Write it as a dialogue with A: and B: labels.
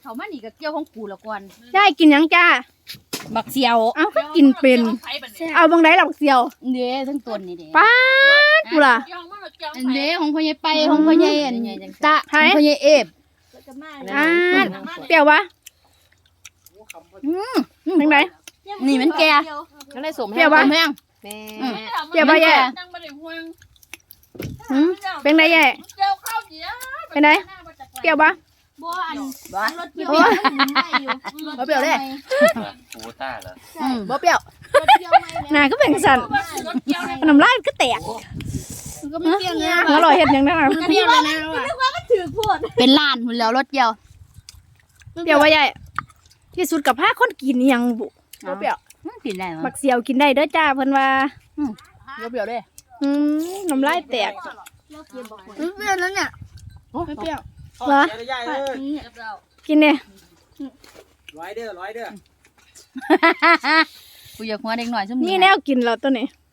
A: เขามานี่ก็เกี่ยวของกูละก่อน
B: ยายกินหยังจ้า
A: บักเสียว
B: เอ้าก็กินเป็นเอาบังไดล่ะบักเสียว
A: เด้ทั้งต้นนี่เด้
B: ป้าดกูล่ะ
A: อันเด้ของพ่อใหญ่ไปของพ่อใหญ่อันตะ
B: ไผ
A: ของพ่อใหญ่เอฟ
B: อ่าเปรี้ยววะบังได
A: นี่มันแก่
C: ก็ได้สม
B: เปรี้ยววะ
A: แม่ง
C: แม่
B: เปรี้ยวปะแย่เป็นไงแย่เป็นไงเปรี้ยวปะ
A: บ่อัน
C: รถเกี่ยว
B: โอ้ย
C: บ่เปรี้ยวเด้
D: โอ้ต้าเหรอ
C: บ่เปรี้ยว
B: หน้าก็เป็นสันน้ำลายก็แตก
C: ก็ไม่เปรี้ยวนะ
B: อร่อยเห็ดหยังได้
C: เปรี้ยวแล้วนะว่ะ
A: เป็นล้านหุ่นแล้วรถเดียว
B: เปรี้ยววะแย่ที่สุดกับผ้าคนกินอิหยังบุ
C: บ่เปรี้ยว
A: กินได้มั้
B: บักเสียวกินได้เด้อจ้าเพิ่นว่า
C: บ่เปรี้ยวเด้
B: น้ำลายแตก
C: เปรี้ยวแล้วเนี่ย
B: ไม่เปรี้ยว
E: เหรอใหญ่เลย
B: กินเนี่ย
E: ร้อยเด้อ
A: กูอยากหัวเด็กหน่อยซุ่ม
B: นี่แนวกินเราตัวนี้